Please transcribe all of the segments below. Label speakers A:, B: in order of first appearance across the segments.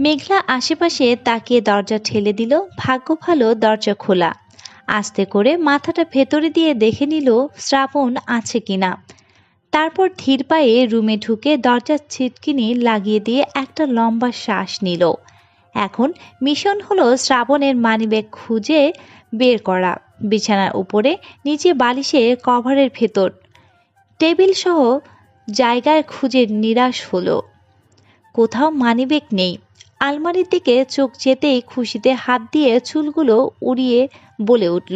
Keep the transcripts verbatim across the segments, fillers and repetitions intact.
A: মেঘলা আশেপাশে তাকিয়ে দরজা ঠেলে দিল। ভাগ্য ভালো দরজা খোলা। আস্তে করে মাথাটা ভেতরে দিয়ে দেখে নিল শ্রাবণ আছে কিনা। তারপর ধীর পায়ে রুমে ঢুকে দরজার ছিটকিনি লাগিয়ে দিয়ে একটা লম্বা শ্বাস নিল। এখন মিশন হলো শ্রাবণের মানিব্যাগ খুঁজে বের করা। বিছানার উপরে নিচে বালিশে কভারের ভেতর টেবিল সহ জায়গায় খুঁজে নিরাশ হলো। কোথাও মানিব্যাগ নেই। আলমারির দিকে চোখ যেতেই খুশিতে হাত দিয়ে চুলগুলো উড়িয়ে বলে উঠল,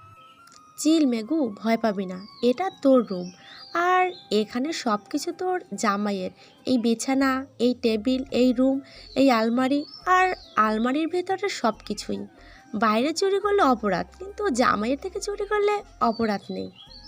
B: চিল মেঘু, ভয় পাবি না, এটা তোর রুম। আর এখানে সব কিছু তোর জামাইয়ের। এই বিছানা, এই টেবিল, এই রুম, এই আলমারি, আর আলমারির ভেতরে সব কিছুই। বাইরে চুরি করলে অপরাধ, কিন্তু জামাইয়ের থেকে চুরি করলে অপরাধ নেই।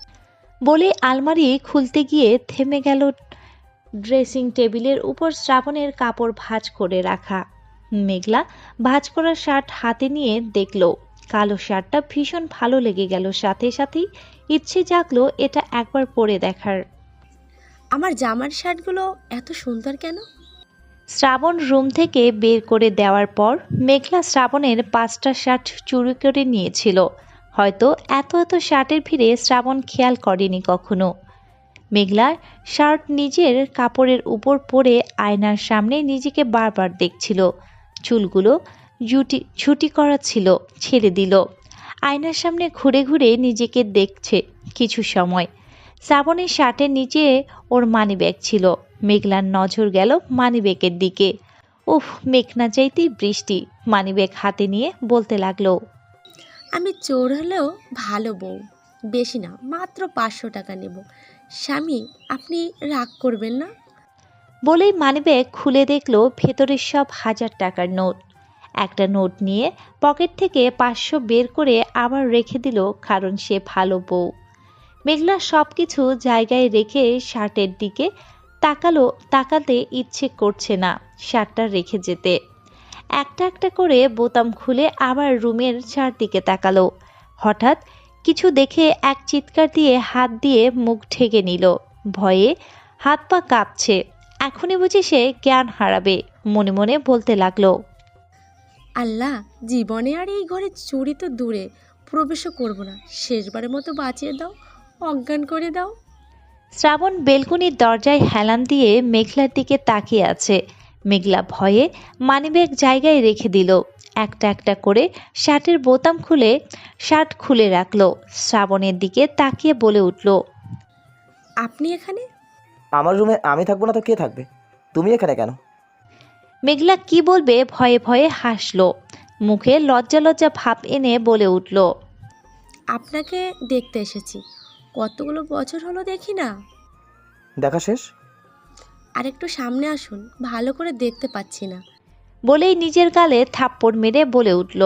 A: বলে আলমারি খুলতে গিয়ে থেমে গেল। ড্রেসিং টেবিলের উপর শ্রাবণের কাপড় ভাঁজ করে রাখা। মেঘলা ভাঁজ করা শার্ট হাতে নিয়ে দেখল। কালো শার্টটা ভীষণ ভালো লেগে গেল। সাথে সাথেই ইচ্ছে জাগলো এটা একবার পরে দেখার।
B: আমার জামার শার্টগুলো এত সুন্দর কেন?
A: শ্রাবণ রুম থেকে বের করে দেওয়ার পর মেঘলা শ্রাবণের পাঁচটা শার্ট চুরি করে নিয়েছিল। হয়তো এত এত শার্টের ভিড়ে শ্রাবণ খেয়াল করেনি কখনো। মেঘলা শার্ট নিজের কাপড়ের উপর পরে আয়নার সামনে নিজেকে বারবার দেখছিল। চুলগুলো জুটি ছুটি করা ছিল, ছেড়ে দিল। আয়নার সামনে ঘুরে ঘুরে নিজেকে দেখছে কিছু সময়। শ্রাবণের শার্টের নিচে ওর মানিব্যাগ ছিল। মেঘলার নজর গেল মানিব্যাগের দিকে। উফ, মেঘ না চাইতেই বৃষ্টি। মানিব্যাগ হাতে নিয়ে বলতে লাগলো,
B: আমি চোর হলেও ভালো বউ। বেশি না, মাত্র পাঁচশো টাকা নেব। স্বামী, আপনি রাগ করবেন না?
A: বলেই মানিব্যাগ খুলে দেখলো ভেতরের সব হাজার টাকার নোট। একটা নোট নিয়ে পকেট থেকে পাঁচশো বের করে আবার রেখে দিল, কারণ সে ভালো বউ। মেঘলা সব কিছু জায়গায় রেখে শার্টের দিকে তাকালো। তাকাতে ইচ্ছে করছে না শার্টটা রেখে যেতে। একটা একটা করে বোতাম খুলে আবার রুমের চারদিকে তাকালো। হঠাৎ কিছু দেখে এক চিৎকার দিয়ে হাত দিয়ে মুখ ঢেকে নিল। ভয়ে হাত পা কাঁপছে। এখনই বুঝি সে জ্ঞান হারাবে। মনে মনে বলতে লাগলো,
B: আল্লাহ, জীবনে আর এই ঘরে চুরি তো দূরে, প্রবেশও করব না। শেষবারের মতো বাঁচিয়ে দাও, অজ্ঞান করে দাও।
A: শ্রাবণ বেলকুনির দরজায় হেলান দিয়ে মেঘলার দিকে তাকিয়ে আছে। মেঘলা ভয়ে মানিব্যাগ জায়গায় রেখে দিল। একটা একটা করে শার্টের বোতাম খুলে শার্ট খুলে রাখলো। শ্রাবণের দিকে তাকিয়ে বলে উঠল,
B: আপনি এখানে?
C: আমার রুমে আমি থাকবো না তো কে থাকবে? তুমি এখানে কেন?
A: মেঘলা কি বলবে ভয়ে ভয়ে হাসলো। মুখে লজ্জা লজ্জা ভাব এনে বলে উঠল,
B: আপনাকে দেখতে এসেছি। কতগুলো বছর হলো দেখি না।
C: দেখা শেষ?
B: আর একটু সামনে আসুন, ভালো করে দেখতে পাচ্ছি না।
A: বলেই নিজের গালে থাপ্পড় মেরে বলে উঠল,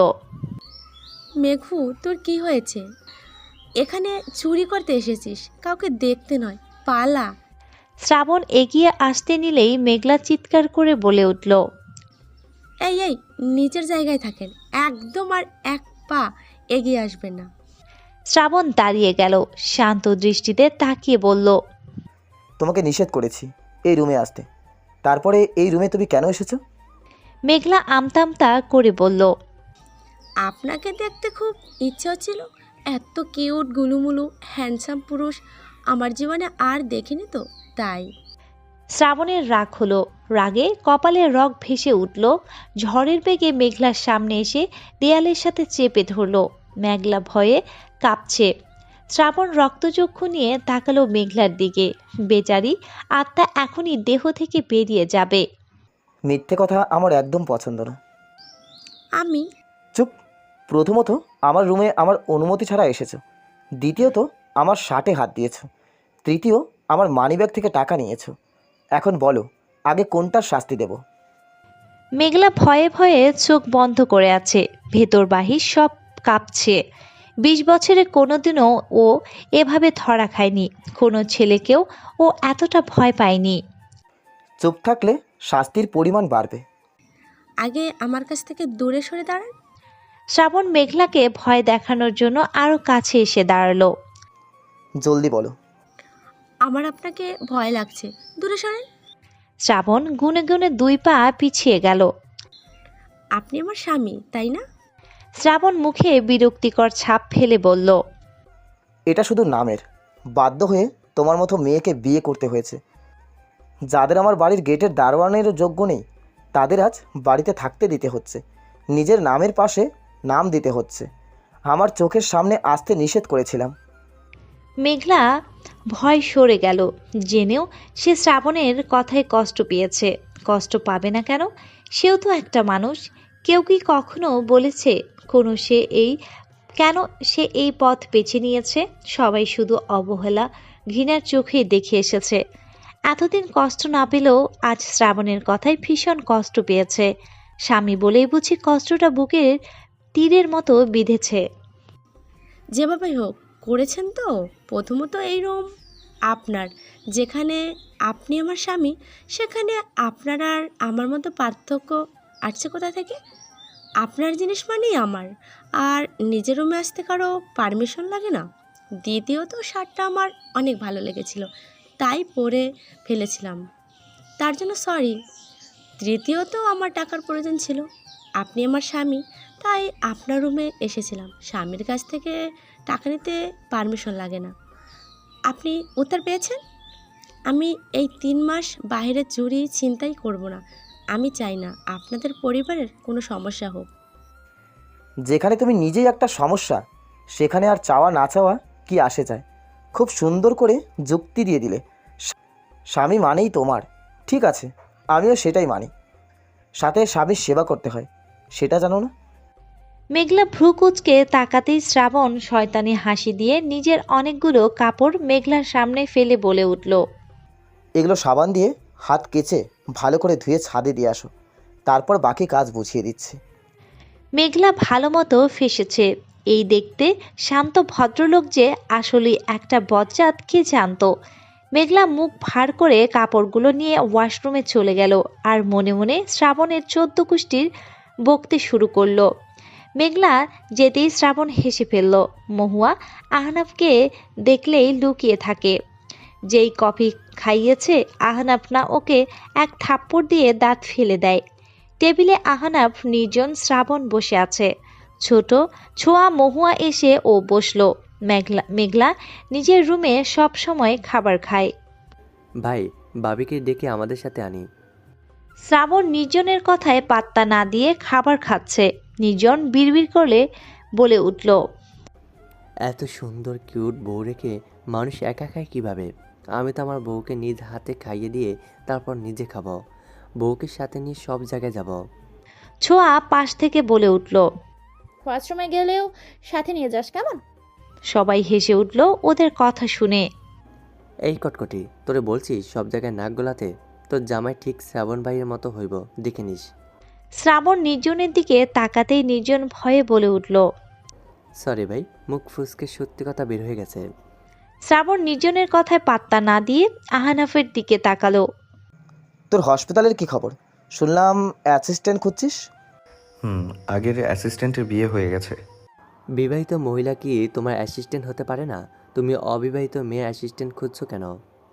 B: মেঘু, তোর কি হয়েছে? এখানে চুরি করতে এসেছিস, কাউকে দেখতে নয়। পালা।
A: শ্রাবণ এগিয়ে আসতে নিলেই মেঘলা চিৎকার করে বলে উঠল,
B: এই এই, নিচের জায়গায় থাকেন, একদম আর এক পা এগিয়ে আসবেন না।
A: শ্রাবণ দাঁড়িয়ে গেল। শান্ত দৃষ্টিতে তাকিয়ে বলল,
C: তোমাকে নিষেধ করেছি এই রুমে আসতে, তারপরে এই রুমে তুমি কেন এসেছো?
A: মেঘলা আমতামতা করে বলল,
B: আপনাকে দেখতে খুব ইচ্ছে হচ্ছিল। এত কিউট গুলুমুলু হ্যান্ডসাম পুরুষ আমার জীবনে আর দেখিনি তো, তাই।
A: শ্রাবণের রাগ হলো। রাগে কপালে রগ ভেসে উঠল। ঝড়ের বেগে মেঘলার সামনে এসে দেয়ালের সাথে চেপে ধরল। মেঘলা ভয়ে কাঁপছে। শ্রাবণ রক্তচক্ষু নিয়ে তাকালো মেঘলার দিকে। বেচারি আত্মা এখনই দেহ থেকে বেরিয়ে যাবে।
C: মিথ্যে কথা আমার একদম পছন্দ না।
B: আমি?
C: চুপ। প্রথমত আমার রুমে আমার অনুমতি ছাড়া এসেছো। দ্বিতীয়ত আমার শার্টে হাত দিয়েছো। তৃতীয় আমার মানিব্যাগ থেকে টাকা নিয়েছো। এখন বলো, আগে কোনটার শাস্তি দেব?
A: মেঘলা ভয়ে ভয়ে চোখ বন্ধ করে আছে। ভেতর বাহির সব কাঁপছে। বিশ বছরে কোনোদিনও ও এভাবে ধরা খায়নি। কোনো ছেলেকেও ও এতটা ভয় পায়নি।
C: চুপ থাকলে শাস্তির পরিমাণ বাড়বে।
B: আগে আমার কাছ থেকে দূরে সরে দাঁড়ান।
A: শ্রাবণ মেঘলাকে ভয় দেখানোর জন্য আরো কাছে এসে দাঁড়ালো।
C: জলদি বলো।
B: আমার আপনাকে ভয় লাগছে, দূরে সরেন।
A: শ্রাবণ গুনে গুনে দুই পা পিছিয়ে গেল।
B: আপনি আমার স্বামী, তাই না?
A: শ্রাবণ মুখে বিরক্তিকর ছাপ ফেলে বলল,
C: এটা শুধু নামের। বাধ্য হয়ে তোমার মতো মেয়েকে বিয়ে করতে হয়েছে। যাদের আমার বাড়ির গেটের দারোয়ানেরও যোগ্য নেই, তাদের আজ বাড়িতে থাকতে দিতে হচ্ছে। নিজের নামের পাশে নাম দিতে হচ্ছে। আমার চোখের সামনে আসতে নিষেধ করেছিলাম।
A: মেঘলা ভয় সরে গেল, জেনেও সে শ্রাবণের কথায় কষ্ট পেয়েছে। কষ্ট পাবে না কেন? সেও তো একটা মানুষ। কেউ কি কখনো বলেছে কোনো সে এই কেন সে এই পথ বেছে নিয়েছে? সবাই শুধু অবহেলা, ঘৃণার চোখেই দেখে এসেছে। এতদিন কষ্ট না পেলেও আজ শ্রাবণের কথায় ভীষণ কষ্ট পেয়েছে। স্বামী বলেই বুঝি কষ্টটা বুকের তীরের মতো বিঁধেছে।
B: যেভাবেই হোক করেছেন তো। প্রথমত এই রুম আপনার, যেখানে আপনি আমার স্বামী, সেখানে আপনার আর আমার মতো পার্থক্য আসছে কোথা থেকে? আপনার জিনিস মানেই আমার, আর নিজের রুমে আসতে কারো পারমিশন লাগে না। দ্বিতীয়ত শার্টটা আমার অনেক ভালো লেগেছিল, তাই পরে ফেলেছিলাম, তার জন্য সরি। তৃতীয়ত আমার টাকার প্রয়োজন ছিল, আপনি আমার স্বামী, তাই আপনার রুমে এসেছিলাম। স্বামীর কাছ থেকে টাকা নিতে পারমিশন লাগে না। আপনি উত্তর পেয়েছেন? আমি এই তিন মাস বাইরে চুরি ছিনতাই করব না। আমি চাই না আপনাদের পরিবারের কোনো সমস্যা হোক।
C: যেখানে তুমি নিজেই একটা সমস্যা, সেখানে আর চাওয়া না চাওয়া কি আসে যায়? খুব সুন্দর করে যুক্তি দিয়ে দিলে। স্বামী মানেই তোমার। ঠিক আছে, আমিও সেটাই মানি। সাথে স্বামীর সেবা করতে হয়, সেটা জানো না?
A: মেঘলা ভ্রু কুঁচকে তাকাতেই শ্রাবণ শয়তানি হাসি দিয়ে নিজের অনেকগুলো কাপড় মেঘলার সামনে ফেলে বলে উঠল,
C: এগুলো সাবান দিয়ে হাত কেচে ভালো করে ধুয়ে ছাদে দিয়ে আসো, তারপর বাকি কাজ বুঝিয়ে দিচ্ছি।
A: মেঘলা ভালো মতো ফেসেছে। এই দেখতে শান্ত ভদ্রলোক যে আসলে একটা বজ্জাত কে জানতো। মেঘলা মুখ ভার করে কাপড়গুলো নিয়ে ওয়াশরুমে চলে গেল আর মনে মনে শ্রাবণের চোদ্দ কুষ্টির বকতে শুরু করলো। মেঘলা যেতেই শ্রাবণ হেসে ফেলল। মহুয়া আহনাফকে দেখলেই লুকিয়ে থাকে। যেই কফি খাইয়েছে আহনাফ না ওকে এক থাপ্পড় দিয়ে দাঁত ফেলে দেয়। টেবিলে আহনাফ নির্জন, শ্রাবণ বসে আছে। ছোট ছোঁয়া মহুয়া এসে ও বসলো। মেঘলা মেঘলা নিজের রুমে সব সময় খাবার খায়।
D: ভাই, বাবিকে ডেকে আমাদের সাথে আনি।
A: শ্রাবণ নির্জনের কথায় পাত্তা না দিয়ে খাবার খাচ্ছে। নির্জন বিড়বিড় করে বলে উঠল,
D: এত সুন্দর কিউট বউ রেখে মানুষ একা খায় কীভাবে? আমি তো আমার বউকে নিজ হাতে খাইয়ে দিয়ে তারপর নিজে খাবো। বউকে সাথে নিয়ে সব জায়গায় যাব।
A: ছোঁয়া পাশ থেকে বলে উঠল,
E: ওয়াশরুমে গেলেও সাথে নিয়ে যাস কেমন?
A: সবাই হেসে উঠল ওদের কথা শুনে।
D: এই কটকটি, তোরে বলছি সব জায়গায় নাক গলাতে। তোর জামাই ঠিক শ্রাবণ ভাইয়ের মতো হইব, দেখে নিস।
A: শ্রাবণ নির্জনের দিকে তাকাতেই নির্জন ভয়ে বলে উঠল,
D: সরি ভাই, মুখ ফুসকে সত্যি কথা বের হয়ে গেছে।
A: শ্রাবণ নির্জনের কথায় পাত্তা না দিয়ে আহনাফের দিকে তাকালো।
C: তোর হসপিটালের কি খবর? শুনলাম অ্যাসিস্ট্যান্ট খুঁজছিস।
F: হুম, আগের অ্যাসিস্ট্যান্টের বিয়ে হয়ে গেছে।
D: বিবাহিত মহিলা কি তোমার অ্যাসিস্ট্যান্ট হতে পারে না? তুমি অবিবাহিত মেয়ে অ্যাসিস্ট্যান্ট খুঁজছো কেন?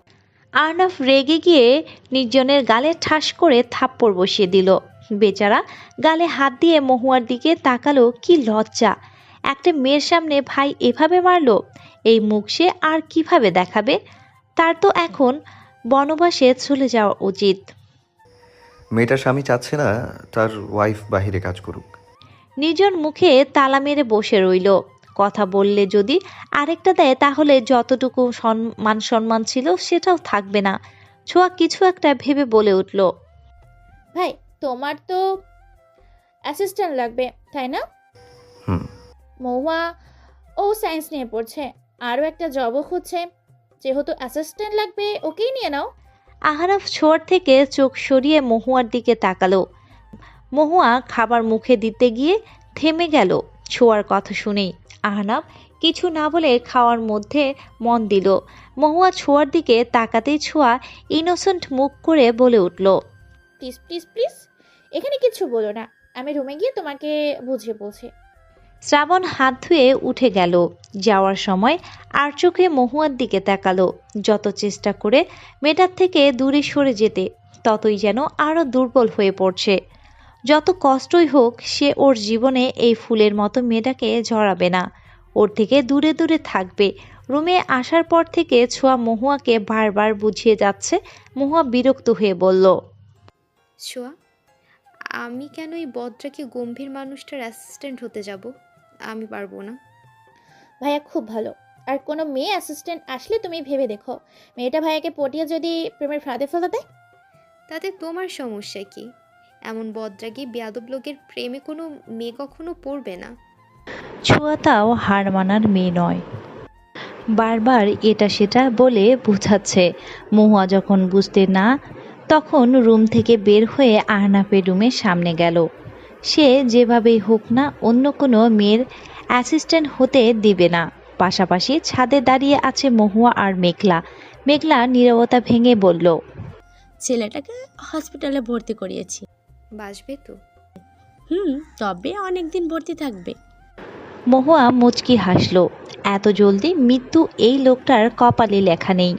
A: আহনাফ রেগে গিয়ে নির্জনের গালে ঠাস করে থাপ্পড় বসিয়ে দিল। বেচারা গালে হাত দিয়ে মহুয়ার দিকে তাকালো। কি লজ্জা! একটা মেয়ের সামনে ভাই এভাবে মারলো। এই মুখ সে আর কিভাবে দেখাবে? তার তো এখন বনবাসে চলে যাওয়া উচিত।
F: মেয়েটার স্বামী চাচ্ছে না তার ওয়াইফ বাইরে কাজ করুক।
A: নির্জন মুখে তালা মেরে বসে রইল। কথা বললে যদি আরেকটা দেয় তাহলে যতটুকু মান সম্মান ছিল সেটাও থাকবে না। ছোঁয়া কিছু একটা ভেবে বলে উঠল,
E: ভাই, তোমার তো অ্যাসিস্ট্যান্ট লাগবে, তাই না?
F: হুম।
E: মহুয়া ও সায়েন্স নিয়ে পড়ছে, আরও একটা জবও খুঁজছে। যেহেতু অ্যাসিস্ট্যান্ট লাগবে, ওকেই নিয়ে নাও।
A: আহনাফ ছোঁয়ার থেকে চোখ সরিয়ে মহুয়ার দিকে তাকালো। মহুয়া খাবার মুখে দিতে গিয়ে থেমে গেল ছোঁয়ার কথা শুনেই। আহনাফ কিছু না বলে খাওয়ার মধ্যে মন দিল। মহুয়া ছোঁয়ার দিকে তাকাতেই ছোঁয়া ইনোসেন্ট মুখ করে বলে উঠল,
E: প্লিজ প্লিজ প্লিজ, এখানে কিছু বলো না। আমি রুমে গিয়ে তোমাকে বুঝিয়ে বলছি।
A: শ্রাবণ হাত ধুয়ে উঠে গেল। যাওয়ার সময় আর চোখে মহুয়ার দিকে তাকালো। যত চেষ্টা করে মেয়েটার থেকে দূরে সরে যেতে, ততই যেন আরো দুর্বল হয়ে পড়ছে। যত কষ্টই হোক সে ওর জীবনে এই ফুলের মতো মেয়েটাকে জড়াবে না, ওর থেকে দূরে দূরে থাকবে। রুমে আসার পর থেকে ছোঁয়া মহুয়াকে বারবার বুঝিয়ে যাচ্ছে। মহুয়া বিরক্ত হয়ে বলল,
G: ছোঁয়া, আমি কেন এই বদরাকে গম্ভীর মানুষটার অ্যাসিস্ট্যান্ট হতে যাব? আমি পারবো না।
E: ভাইয়া খুব ভালো, আর কোনো মেয়ে অ্যাসিস্ট্যান্ট আসলে তুমি ভেবে দেখো, মেয়েটা ভাইয়াকে পটিয়ে যদি প্রেমের ফাঁদে ফেলে দেয়।
G: তাতে তোমার সমস্যা কি? এমন বদরাগী বেয়াদব লোকের প্রেমে কোনো মেয়ে কখনো পড়বে না।
A: ছোঁয়াটাও হার মানার মেয়ে নয়। বারবার এটা সেটা বলে বোঝাচ্ছে। মহুয়া যখন বুঝতে না তখন রুম থেকে বের হয়ে আহনাফের রুমের সামনে গেল। সে যেভাবেই হোক না অন্য কোনো মেয়ের অ্যাসিস্ট্যান্ট হতে দিবে না। পাশাপাশি ছাদে দাঁড়িয়ে আছে মহুয়া আর মেঘলা। মেঘলা নীরবতা ভেঙে বলল,
B: ছেলেটাকে হসপিটালে ভর্তি করিয়েছি।
G: বাসবে তো?
B: হুম, তবে অনেক দিন ভর্তি থাকবে।
A: মহুয়া মুচকি হাসল। এত জলদি মৃত্যু এই লোকটার কপালে লেখা নেই।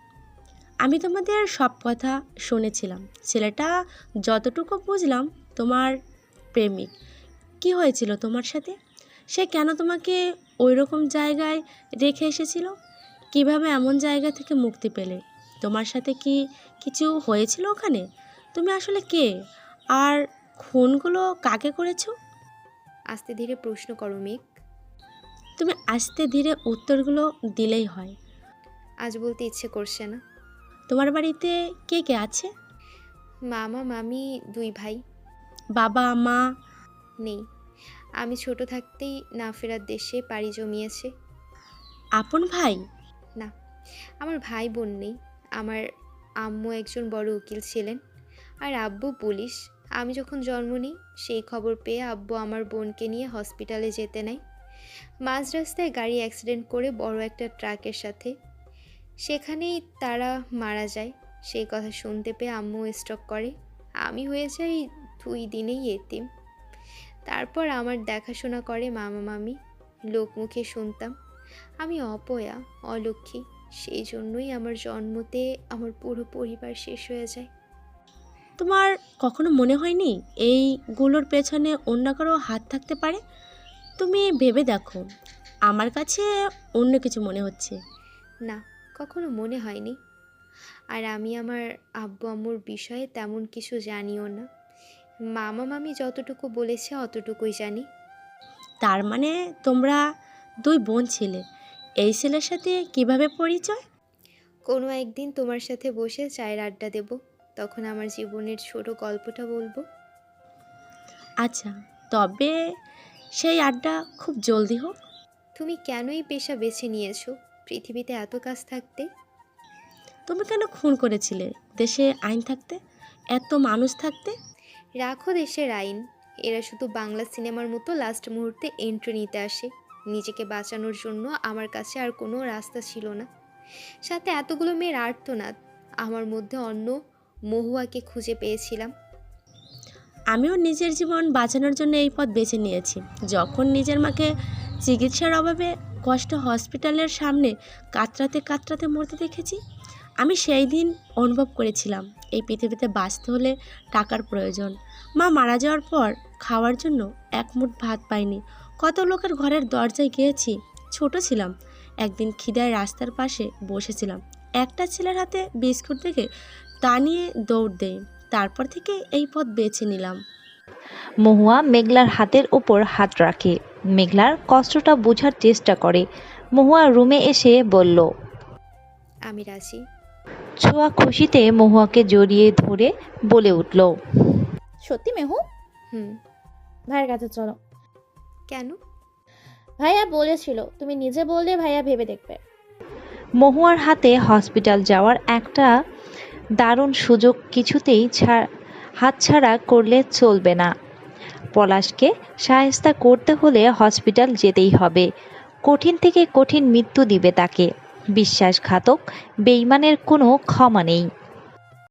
B: আমি তোমাদের সব কথা শুনেছিলাম। ছেলেটা যতটুকু বুঝলাম তোমার প্রেমিক। কি হয়েছিল তোমার সাথে? সে কেন তোমাকে ওই রকম জায়গায় রেখে এসেছিল? কিভাবে এমন জায়গা থেকে মুক্তি পেলে? তোমার সাথে কি কিছু হয়েছিল ওখানে? তুমি আসলে কে? আর খুনগুলো কাকে করেছো?
G: আস্তে ধীরে প্রশ্ন করো মেঘ।
B: তুমি আস্তে ধীরে উত্তরগুলো দিলেই হয়।
G: আজ বলতে ইচ্ছে করছে না।
B: তোমার বাড়িতে কে কে আছে?
G: মামা মামি দুই ভাই।
B: বাবা মা?
G: নেই, আমি ছোট থাকতেই না ফেরার দেশে পাড়ি জমিয়েছে।
B: আপন ভাই?
G: না, আমার ভাই বোন নেই। আমার আম্মু একজন বড় উকিল ছিলেন, আর আব্বু পুলিশ। আমি যখন জন্ম নিই সেই খবর পেয়ে আব্বু আমার বোনকে নিয়ে হসপিটালে যেতে নেয়। মাঝ রাস্তায় গাড়ি অ্যাক্সিডেন্ট করে বড় একটা ট্রাকের সাথে, সেখানেই তারা মারা যায়। সেই কথা শুনতে পেয়ে আম্মু স্ট্রোক করে। আমি হয়ে যাই দুই দিনেই এতিম। তারপর আমার দেখাশোনা করে মামা মামি। লোকমুখে শুনতাম আমি অপয়া, অলক্ষী। সেই জন্যই আমার জন্মতে আমার পুরো পরিবার শেষ হয়ে যায়।
B: তোমার কখনো মনে হয়নি এইগুলোর পেছনে অন্য কারো হাত থাকতে পারে? তুমি ভেবে দেখো। আমার কাছে অন্য কিছু মনে হচ্ছে।
G: না, কখনো মনে হয়নি। আর আমি আমার আব্বু আম্মুর বিষয়ে তেমন কিছু জানিও না। মামা মামি যতটুকু বলেছে অতটুকুই জানি।
B: তার মানে তোমরা দুই বোন ছিলে। এই ছেলের সাথে কিভাবে পরিচয়?
G: কোনো একদিন তোমার সাথে বসে চায়ের আড্ডা দেব, তখন আমার জীবনের ছোট গল্পটা বলবো।
B: আচ্ছা, তবে সেই আড্ডা খুব জলদি হোক।
G: তুমি কেন এই পেশা বেছে নিয়েছো পৃথিবীতে এত কাজ থাকতে?
B: তুমি কেন খুন করেছিলে দেশে আইন থাকতে, এত মানুষ থাকতে?
G: রাখো দেশের আইন, এরা শুধু বাংলা সিনেমার মতো লাস্ট মুহূর্তে এন্ট্রি নিতে আসে। নিজেকে বাঁচানোর জন্য আমার কাছে আর কোনো রাস্তা ছিল না। সাথে এতগুলো মেয়ের আর্তনাদ, আমার মধ্যে অন্য মহুয়াকে খুঁজে পেয়েছিলাম।
B: আমিও নিজের জীবন বাঁচানোর জন্য এই পথ বেছে নিয়েছি। যখন নিজের মাকে চিকিৎসার অভাবে কষ্ট হসপিটালের সামনে কাতরাতে কাতরাতে মরতে দেখেছি, আমি সেই দিন অনুভব করেছিলাম এই পৃথিবীতে বাঁচতে হলে টাকার প্রয়োজন। মা মারা যাওয়ার পর খাওয়ার জন্য এক মুঠ ভাত পাইনি। কত লোকের ঘরের দরজায় গিয়েছি। ছোট ছিলাম। একদিন খিদায় রাস্তার পাশে বসেছিলাম। একটা ছেলের হাতে বিস্কুট দেখে তা নিয়ে দৌড় দেই। তারপর থেকে এই পথ বেছে নিলাম।
A: মহুয়া মেঘলার হাতের ওপর হাত রাখে। মেঘলার কষ্টটা বোঝার চেষ্টা করে। মহুয়া রুমে এসে বলল,
G: আমি রাজি।
A: ছোঁয়া খুশিতে মহুয়াকে জড়িয়ে ধরে বলে উঠল,
E: সত্যি মেহু?
G: হুম।
E: ভাইয়ের কাছে চলো।
G: কেন?
E: ভাইয়া বলেছিল, তুমি নিজে বললে ভাইয়া ভেবে দেখবে।
A: মহুয়ার হাতে হসপিটাল যাওয়ার একটা দারুণ সুযোগ কিছুতেই হাতছাড়া করলে চলবে না। পলাশকে শায়েস্তা করতে হলে হসপিটাল যেতেই হবে। কঠিন থেকে কঠিন মৃত্যু দিবে তাকে। বিশ্বাসঘাতক বেঈমানের কোনো ক্ষমা নেই।